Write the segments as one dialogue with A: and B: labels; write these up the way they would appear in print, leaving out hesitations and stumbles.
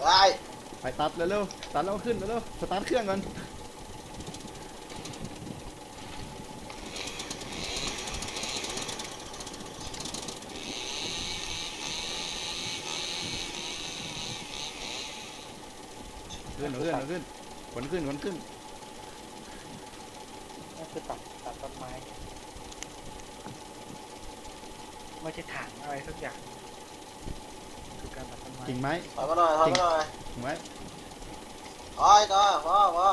A: ไอ้
B: ไปตัดเร็วๆตัดแล้วขึ้นเร็วๆสตาร์ทเครื่องก่อนขึ้นเอาขึ้นขนขึ้น
C: นั่นคือตัดต้นไม้ไม่ใช่ถังอะไรสักอย่างคือการตัดต้นไม้
B: กิ่งไม้
A: ถอยมาหน่อย
B: กิ่งไม้
A: ถอยต่อพ่อ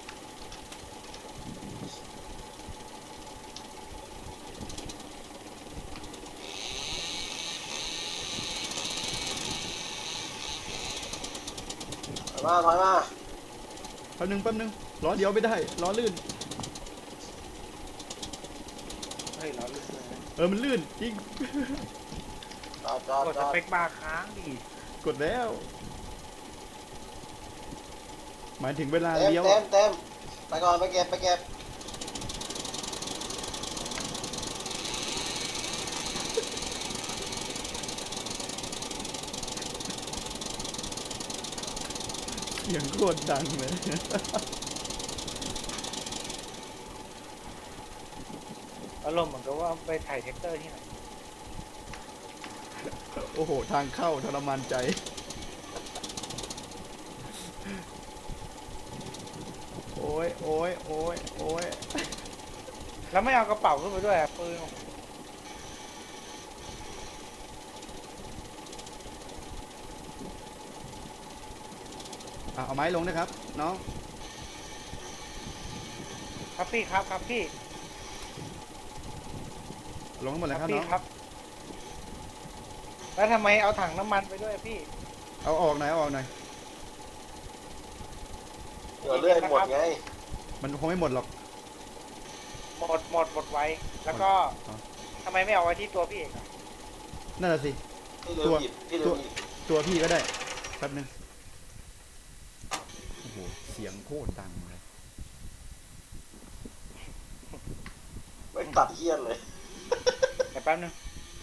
A: ถอยมา
B: แป๊บนึงล้อเดียวไม่ได้ล้อลื่น
C: เฮ้ยเราลื่นเลย
B: มันลื่นจริง
C: กดสเปคบาร์ค้างดิ
B: กดแล้วหมายถึงเวลา
A: เต็ม
B: เลี้ยว
A: ไปก่อนไปเก็บ
B: เสียงโคตรดังเลย
C: อารมณ์เหมือนกับว่าไปถ่ายแท็กเตอร์ที่ไหน
B: โอ้โหทางเข้าทรมานใจโอ้ย
C: แล้วไม่เอากระเป๋าขึ้นไปด้วยปืน
B: เอาไม้ลงนะครับน้อง
C: ครับพี่ครับพี่
B: ลงทั้งหมดเลยครับ
C: พี่
B: น้อง
C: ครับแล้วทำไมเอาถังน้ำมันไปด้วยพี่
B: เอาออกหน่อย
A: เดี๋ยวเลื่อยหมดไง
B: มันคงไม่หมดหรอก
C: หมดไว้แล้วก็ทำไมไม่เอาไว้ที่ตัวพี่เอกอะ
B: นั่นแหละสิ
A: พี่ลืมหยิบ
B: ตัวพี่ก็ได้แป๊บนึงโอ้โหเสียงโคตรดังเลย
A: ไม่ตัดเหี้ยนเลย
C: เดี๋ยวแป๊บนึง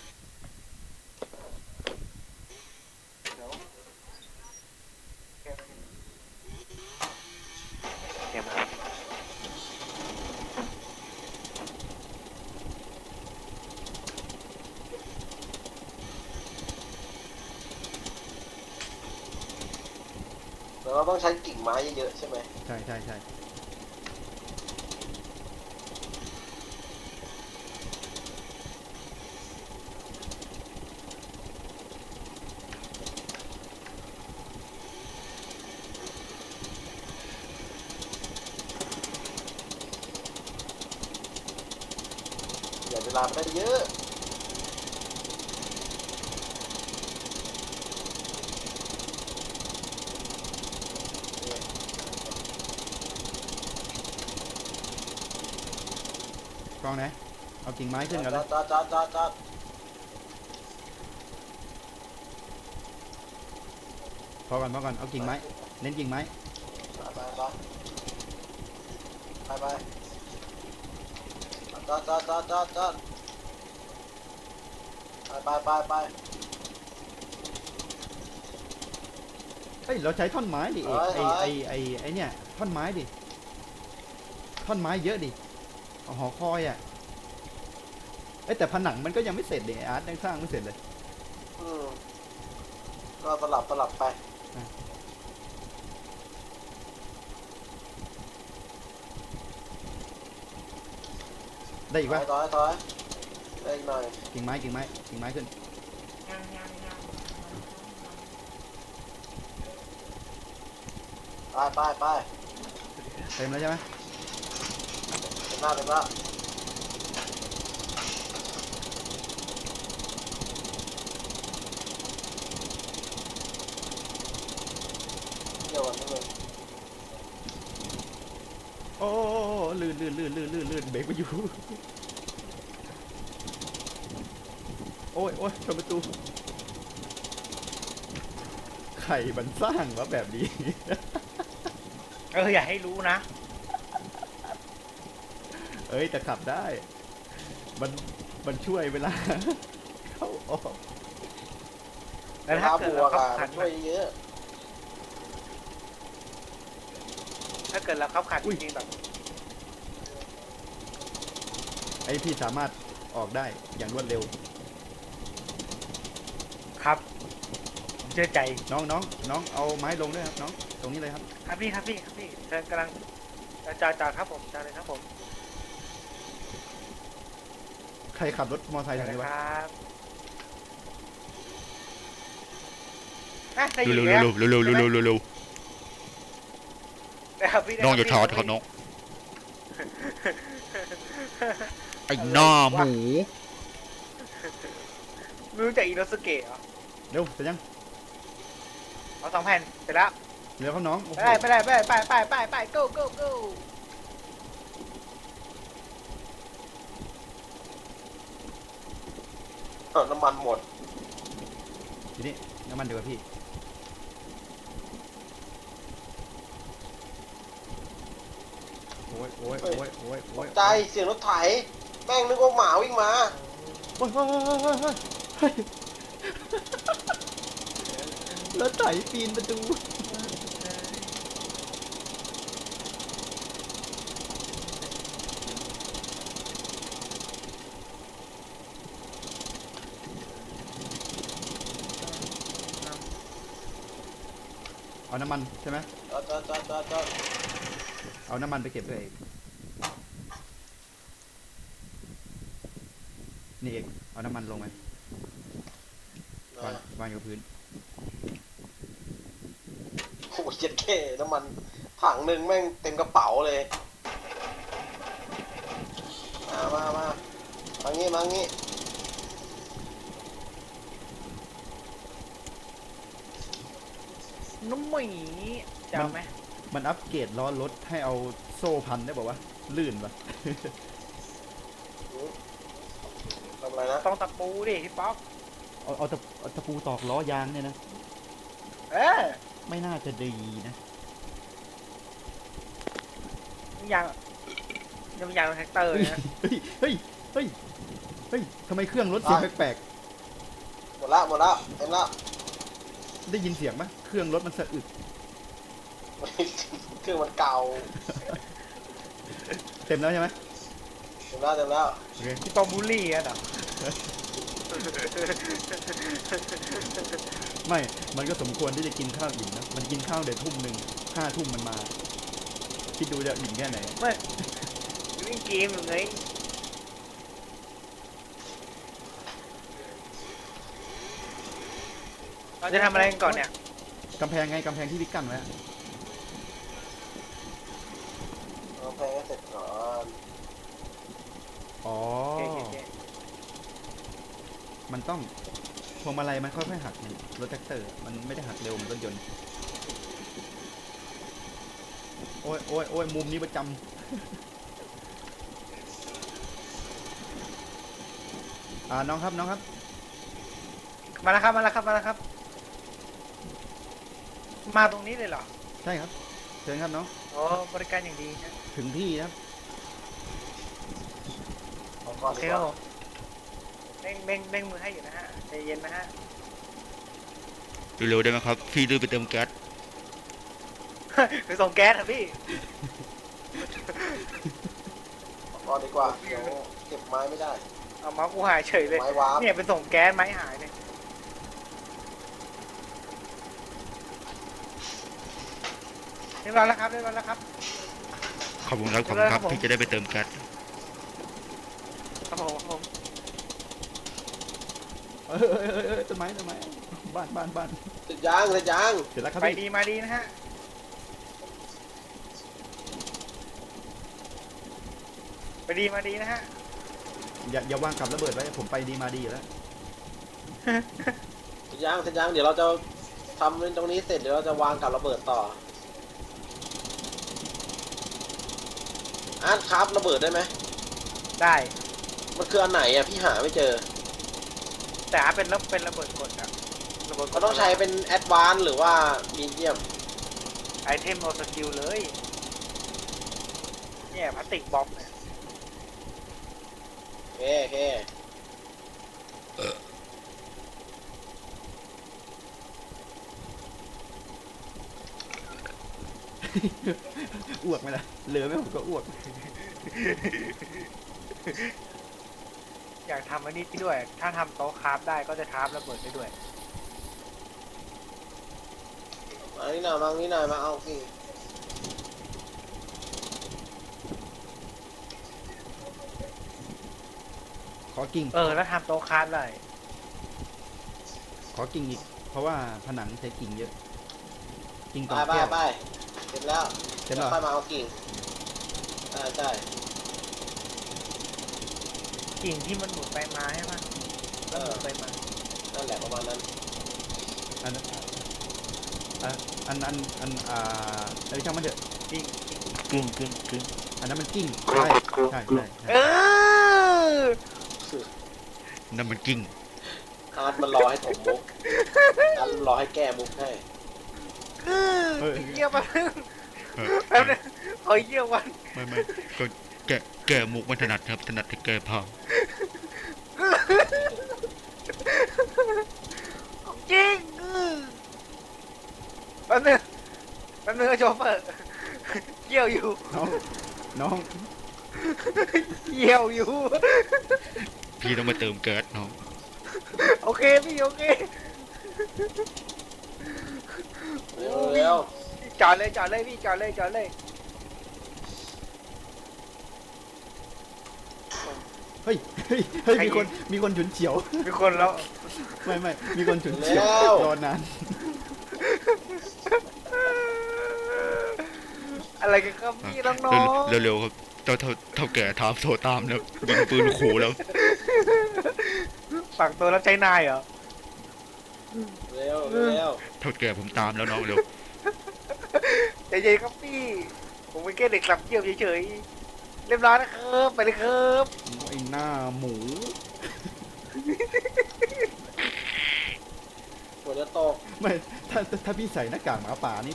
C: เดี๋ยวครับ
A: แต่เราต้องใช้กิ่งไม้เยอะๆใช่ไหม
B: ใช่
A: อย่าเวลาไม่ได้เยอะ
B: กล้องไหนเอากิ่งไม้ขึ้นกันเลย
A: จอด
B: พอก่อนเอากิ่งไม้เน้นกิ่งไม้
A: ไปจอดไป
B: เฮ้ยเราใช้ท่อนไม้ดิเอก
A: ถอย
B: ไอเนี่ยท่อนไม้ดิท่อนไม้เยอะดิเอาหอคอยแต่ผนังมันก็ยังไม่เสร็จเลยอาร์ตยังสร้างไม่เสร็จเลย
A: ก็สลับไป
B: ได้อีกปะ
A: ถอยได้อีกหน่อย
B: กิ่งไม้ขึ้น
A: ไป
B: เต็มแล้วใช่ไหม
A: เต็มหน้าเดี๋ยววันนี้เลย
B: โอ้ลื่นเบรกไปอยู่โอ้ยชนประตูใครมันสร้างวะแบบนี้
C: อย่าให้รู้นะ
B: แต่ขับได้มันช่วยเวลา เข้าออก
C: แล้วถ้าเกิดเราขับผ่าน
A: ช่วยเยอะ
C: ถ้าเกิดเราขับขัน
B: อุ้
C: จ
B: ย
C: ริงๆแบบ
B: ไอพี่สามารถออกได้อย่างรวดเร็ว
C: ครับผมเชื่อใจ
B: น้องเอาไม้ลงด้วยครับน้องตรงนี้เลยครับ
C: ครับพี่เชิญกำลังจอดครับผมจอดเลยครับผม
B: ใครขับรถมอเตอร์ไซค์
C: จ
B: ทา
C: อง ดเล
B: นี้
C: ยว
B: ะ
C: ครับอ่ะได้ยิน
D: เร็ว
C: แล้ว
D: เร็วเร็วเร็วเร็วเร็วเร็ว
C: นะครับพี่
D: น้องอย่าท้อครับน้องไอ้หน้าหมู
C: ไม่รู้จักอิโนสเกะเหรอ
B: เร็วเสร็จยัง
C: เอา2 แผ่นเสร็จแล้ว
B: เร็วครับน้องโอ้โห
C: ไป go go go
A: น้ำมันหมด
B: ทีนี้น้ำมันเดี๋ยวาพี่โอ้ยโอ้ยโอ้ยโอ้ยโอ้ย
A: ใจเสียงรถไถแม่งนึกว่าหมาวิ่งมา
B: โอ้ยเฮ้ยเฮ้ยรถไถปีนประตูเอาน้ำมันใช่ไหม
A: จอด
B: เอาน้ำมันไปเก็บด้วยเอกนี่เอกเอาน้ำมันลงไหมวางอยู่กับพื้น
A: โอ้ยเจ็ดเคน้ำมันถังหนึ่งแม่งเต็มกระเป๋าเลย มางี้
C: นุ่มหมีจะเอาไหม
B: มันอัปเกรดล้อรถให้เอาโซ่พันได้บอกว่าลื่นปะ
A: ทำอะไรนะ
C: ต้องตะปูดิพี่ป๊อก
B: เอาตะปูตอกล้อยางเนี่ยนะ
C: เออ
B: ไม่น่าจะดีนะ
C: ยังแท็กเตอร์
B: เฮ้ย
C: นะ
B: เฮ้ยเฮ้ยเฮ้ยเฮ้ยทำไมเครื่องรถเสียงแปลก
A: หมดแล้วเต็มแล้ว
B: ๆได้ยินเสียงไหมเครื่องรถมันสะอึก
A: เครื่องมันเก่า
B: เต็มแล้วใช่ไหม
A: เต็มแล้ว
B: โอเค
C: พี่ป๊อกบูลลี่อ่ะเหรอ
B: ไม่ มันก็สมควรที่จะกินข้าวอิ่มนะมันกินข้าวเดี๋ยวทุ่มหนึ่ง5 ทุ่มมันมาคิดดูจะอิ่มแค่ไหน
C: ไม่เล่นเกมอยู่ไงเราจะทำอะไรกันก่อนเนี่ย
B: กำแพงไงกำแพงที่พี่กั้นไว้อะ
A: เอาแพงให้เสร็จก่อน
B: อ๋อ
C: โอเค
B: มันต้องพวงมาลัยมันค่อยๆหักเนี่ยรถแท็กเตอร์มันไม่ได้หักเร็วเหมือนรถยนต์โอ้ยโอ้ยโอ้ยมุมนี้ประจำน้องครับน้องครับ
C: มาแล้วครับ มาตรงนี้เลยเหรอ
B: ใช่ครับเชิญครับน้อง
C: โอ้บริการอย่างดีนะ
B: ถึงที่นะครับ
A: เอาก่อน
C: โอเค
A: ดีก
C: ครับ
A: ว่า
C: ผมเร่งมือให้อยู่นะฮะใจเย็นนะฮะ
D: เร็วๆได้ไหมครับพี่รีบไปเติมแก๊ส
C: ไปส่งแก๊สครับพี่
A: เอาก่อนดีกว่าเดี๋ยวเก็บไม้ไม่ได้
C: เอามากูหายเฉยเลย
A: ไม้วาร์ป
C: เนี่ยไปส่งแก๊สไม้หายเลยเรียบร้อยแล้วครับ
D: ขอบคุณครับพี่จะได้ไปเติมแก๊ส
C: ครับผม
B: ต้นไม้บ้าน
A: เสร็จยัง
B: เสร็จแล้วครับ
C: ไป
B: พี่
C: ดีมาดีนะฮะไปดีมาดีนะฮะ
B: อย่าวางกับระเบิดไว้ผมไปดีมาดีอยู่แล้ว
A: เสร็จยังเดี๋ยวเราจะทำตรงนี้เสร็จเดี๋ยวเราจะวางกับระเบิดต่ออาร์ตครับระเบิดได้ไหม
C: ได้
A: มันคืออันไหนอ่ะพี่หาไม่เจอ
C: แต่เป็นระเบิดกดอะระเบิดก
A: มั
C: ด
A: นต้องใช้เป็นแอดวานซ์หรือว่ามีเดียม
C: ไอเทมโอสกิลเลยเนี่ยพลาสติกบอมเนี่ย
A: โอเค
B: อ้วกไหมล่ะเหลือไหมผมก็อ้วก
C: อยากทำอันนี้ด้วย ถ้าทำโต๊ะคราฟได้ก็จะคราฟระเบิดได้ด้วย
A: มานี่หน่อยมานี่หน่อยมาเอาสิ
B: ขอกิ่ง
C: แล้วทำโต๊ะคราฟได้
B: ขอกิ่งอีก เพราะว่าผนังใช้กิ่งเยอะ กิ่ง
A: ไป
B: ต่อ
A: ไป
B: แก้ว
A: ไปเสร็จแล้ว
B: เสร็จแล้ว
A: ค่อยมาเอากิ่งใช่ใช่
C: กิ่งที่มันหมุนไปมาใช่ไหมแล้วหมุนไปมา
A: นั่นแหละประมาณนั้น
B: อันเอ้ยช่างมันเถอะ
C: กิ่ง
D: กึ่งกึ่งกึ่ง
B: อันนั้นมันกิ้งใช่ใช่
C: เออ
D: นั่นมันกิ้ง
A: อาร์ตมันรอให้ผมมุกอาร์ตมันรอให้แก้มุกให้
C: เยี่ยมมา
D: เออ
C: แป๊บนึงขอเยี่ยมวัน
D: ไม่ก็แกมุกไม่ถนัดครับถนัดแต่แกพาม
C: จริงแป๊บนึงโชเฟอร์เยี่ยวอยู่
B: น้อง
C: เยี่ยวอยู่
D: พี่ต้องมาเติมแก๊สน้อง
C: โอเคพี่โอเค
A: เร็วเร็ว
C: จอดเลยพี่จอดเลย
B: เฮ้ยมีคนฉุนเฉียว
C: มีคนแล้ว
B: ไม่มีคนฉุนเฉียวรอนาน
C: อะไรกันครับพี่น้อง
D: เร็วๆครับเท่าแก่ถามโทรตามแล้วยิงปืนขู่แล้ว
C: ๆฝั่งตัวรับใช้นายเหรอ
A: เร็วเร็ว
D: เท่าแก่ผมตามแล้วน้องเร็ว
C: ใจเย็นครับพี่ ผมเป็นแค่เด็กสับเยี่ยวเฉยๆเรียบร้อยนะครับไปเลยครับ
B: ไอ้หน้าหมู
A: ฝนจะตก
B: ไม่ถ้าพี่ใส่หน้ากากหมาป่านี่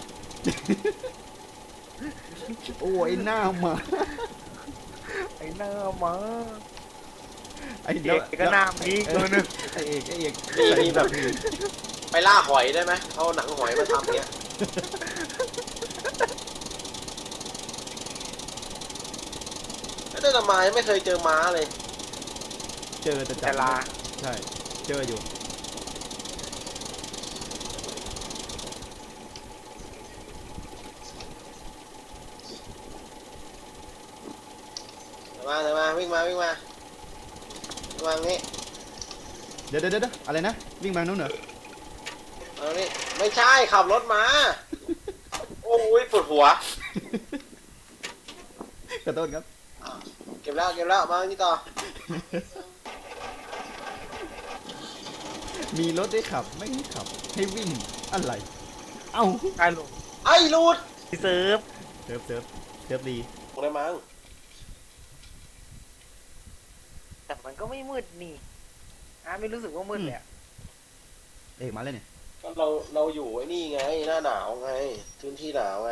B: โอ้ไอ้หน้าหมา
C: ไอ้หน้ามา
B: ไอ้
C: เด็กก็หน้ามีตัวนึง
B: ไอ้เอก
A: มีแบบไปล่าหอยได้ไหมเอาหนังหอยมาทำเนี้ยแต่ทำไมไม่เคยเจอม้าเลย
B: เจอแต่จั
C: แต่
B: บ
C: ลา
B: ใช่เจออยู่
A: มาวิ่งมาตรงนี้
B: เดี๋ยวอะไรนะวิ่งมานู้นเหรอ
A: เอานี่ไม่ใช่ขับรถมา โอ้ยปวดหัว
B: ขอโทษครับ
A: เก็บแล้วมานี่ต่อ
B: มีรถได้ขับไม่ให้ขับ ให้วิ่งอะไร เอ้า
C: ไอ้ลุง
A: ไอ้รูด
C: พี่เซิร์ฟ
B: เซิร์ฟดี
A: ตรงไหนมั้ง
C: แต่มันก็ไม่มืดนี่ไม่รู้สึกว่ามืดเลยอะ
B: เอกมาเลยเนี่ย
A: ก็เราอยู่ไอ้นี่ไงหน้าหนาวไงพื้นที่หนาวไง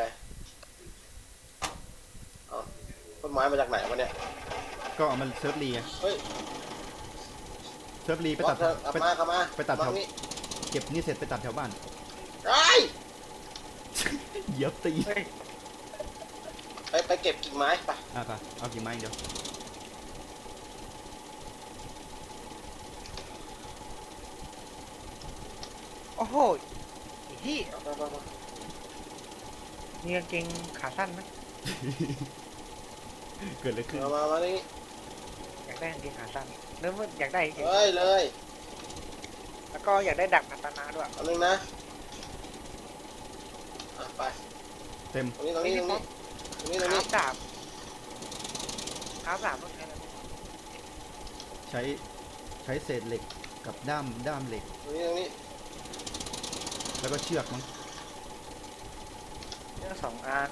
A: เอาต้นไม้มาจากไหนวะเนี่ย
B: ก็เอามันเซิร์ฟรีไง
A: เฮ้ย
B: เซิร์ฟรีไปตัด
A: กลับมา
B: ไปตัดแถว
A: นี้
B: เก็บนี่เสร็จไปตัดแถวบ้าน
A: ไอ้
B: เหยียบตี
C: เฮ้ย
A: ไปเก็บกิ่งไม้ไป
B: ไปเอากี่ไม้เดียว
C: โอ้โหที่
A: ไป
C: มีกางเกงขาสั้นไหม
B: เกิดอะไรขึ้น
A: มานี่
C: อยากได้กางเกงขาสั้นเริ่มอยากได้กางเกง
A: เลย
C: แล้วก็อยากได้ดักพัฒนาด้วย
A: อันนึงนะไป
B: เต็ม
A: ตรงนี้
C: คราฟดาบต้องใช้อะไร
B: ใช้เศษเหล็กกับด้ามเหล็ก
A: ตรงนี้
B: แล้วก็เชือกมั้ง
C: เรื่อง2 อัน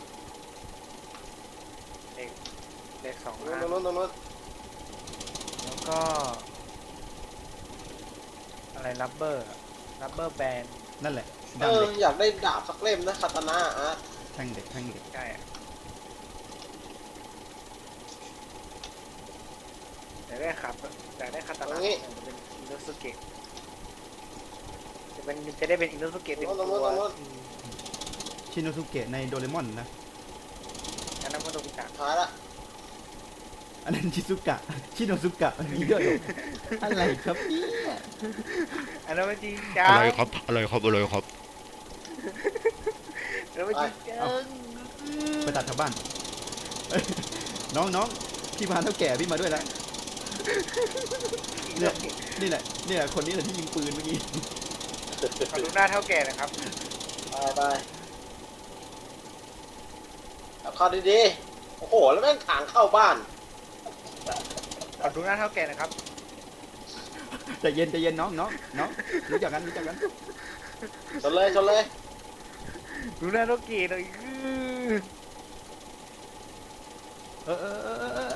C: เด็ก2 อัน
A: ตรงนู้น
C: แล้วก็ อะไรลับเบอร์แบน
B: นั่นแหละด้ามเหล็ก
A: อยากได้ดาบสักเล่มนะคาตานะอ่ะ
B: แท่งเหล็ก
C: ใช่อะอยากได้คาตานะจะเป็นอินโนสุเกะจะได้เป็นอินโนสุเกะเต็มตัว
B: ชินโนสุเกะในโดเรมอนนะ
C: กะ
A: ท้ายละ
B: อันนั้นชิซุกะชิโนซุกะมีด้วยเหรออะไรครับเนี่ย
C: อันนั้นมันจริงจั
D: อะไร
C: ง
D: ครับอะไรครับอะไรครับ
C: อันนั้นมันจริงจัง
B: ไปตัดชาวบ้านเอ้ยน้องพี่พาเท่าแก่พี่มาด้วยแล้วเนี่ยนี่แหละเนี่ยคนนี้แหละที่ยิงปืนเมื่อกี้
C: ขอดูหน้าเท่าแก่หนะครับ
A: ไปเอาเข้าดีๆโอ้โหแล้วแม่งถางเข้าบ้าน
C: ขอดูหน้าเท่าแก่หนะครับ
B: ใจเย็นน้องรู้จักกัน
A: ชนเลยชนเลย
C: ดูหน้าเท่าแก่หน่อย
B: เออ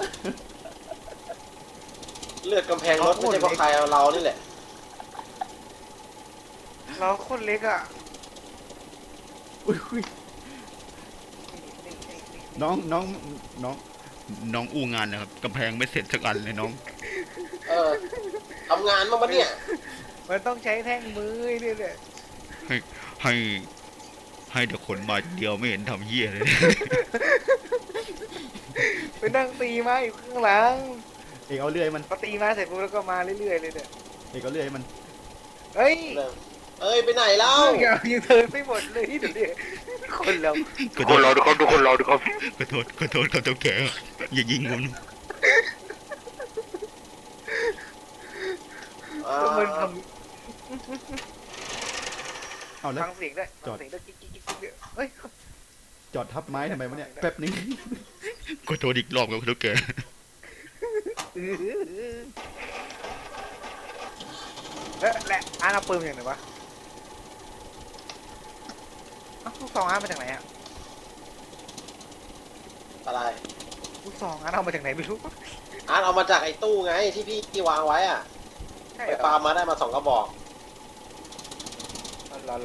A: เลือดกำแพงรถไม่ใช่เพราะใครเอาเรานี่แหละ
C: เราโคนเล็กอ่ะ
B: อุ้ยน้อง
D: น้องอู้งานนะครับกำแพงไม่เสร็จสักอันเลยน้อง
A: เออทำงานบ้างปะเนี่ย
C: มันต้องใช้แท่งมือเนี่ยแหละ
D: ให้ให้แต่ขนมาเดียวไม่เห็นทำเหี้ยเลย
C: ไปนั่งตีไม้อยู่ข้างหลัง
B: เอกเอาเลื่อยมัน
C: พอตีไม้เสร็จปุ๊บแล้วก็มาเรื่อยๆเลยเนี่ย
B: เอกเอาเลื่อยมัน
C: เฮ้ย
A: เอ้ยไปไหนเล่า
C: ยังเทินไม่หมดเลยเดี๋ยวนี้คนเรา
D: ขอโทษเราทุกคนทุกคนเราทุกคนขอโทษครับเจ้าแก่อย่ายิงผม
C: ก็มันท
B: เอา
C: ำ
B: แล้ว
C: ฟังเสียงด้วยฟังเสียงด้วยกิ๊กเนี่ยเฮ้ย
B: จอดทับไม้ทำไมวะเนี่ยแป๊บนึง
D: ขอโทษอีกรอบครับเจ้าแก่
C: และอาร์ตเอาปืนมาจากไหนวะเอ้าลูกซองอาร์ตมาจากไหนอะ
A: อะไร
C: ลูกซองอาร์ตเอามาจากไหนไม่รู้
A: อาร์ตเอามาจากไอ้ตู้ไงที่พี่วางไว้อะ
C: ใช่
A: ไป
C: เหรอ
A: ปามาได้มา2 กระบอก
C: รอ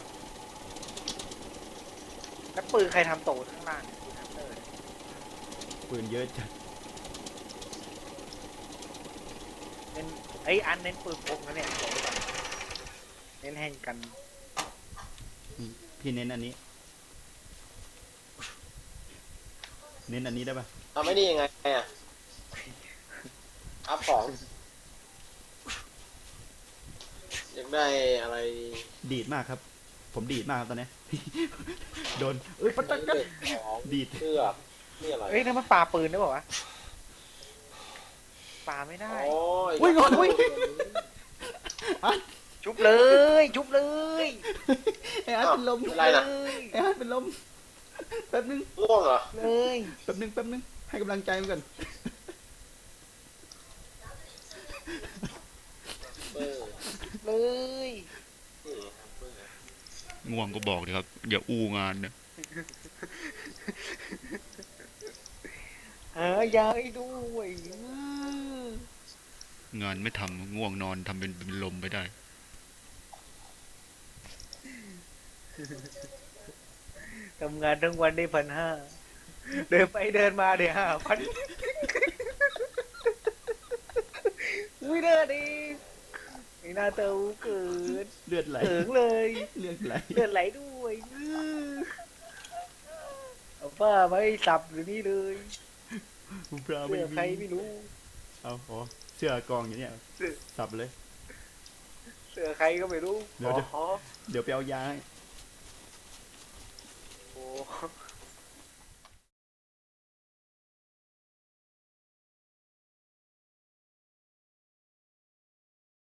C: แล้วปืนใครทำโตข้างล่างเนี่ยปืนฮันเตอร์เนี่ย
B: ปืนเยอะจัด
C: เน้นไอ้ยอันเน้นปืนพกนะเนี่ยบอกไว้ก่อนเน้นแห่งกัน
B: พี่เน้นอันนี้ เน้นอันนี้ได้ปะ
A: ทำไม่นี่ยังไงอะอัพของอยากได้อะไร
B: ดีดมากครับ ผมดีดมากครับตอนนี้ โดนเอ้ยปัตตะกัน
A: ของ
B: ดีด
A: เสื้อนี่อะไร
C: เอ้ยนั่นมันปาปืนได้ป่าวะปาไม่ได้
A: โอ้ย
B: อุ้ยงอนอุ้ย
C: ชุบเลยชุบเลย
B: ไอ้อาร์ตเป็นลม
A: อะไรนะ
B: ไอ้อาร์ตเป็นลมแป๊บนึง
A: ง่วงเหรอ
C: เลย
B: แป๊บนึงให้กำลังใจมันก่อน
A: เออ
C: เลย
A: นี่
D: ง่วงก็บอกเลยครับอย่าอู้งานนะ
C: หายาให้ด้วย
D: งานไม่ทำง่วงนอนทำเป็นลมไปได้
C: ทำงานทั้งวันได้1,500เดินไปเดินมาเดี๋ยว5,000อุ้ยเด้อดิไอ้หน้าเต้าเกิด
B: เลือดไหล
C: เถิงเลย
B: เลือดไหล
C: เลือดไหลด้วยเอาผ้ามาให้สับอยู่นี่เลย
B: ปลา
C: เสื้
B: ไม่
C: อใคร
B: มี
C: ไม่รู้
B: เอาอ๋อเสื้อกองอย่างเนี้ยสับเลย
C: เสื้อใครก็ไม่รู้
B: เดี๋ยว
C: อ๋อ
B: เดี๋ยวไปเอายาให้
C: โอ้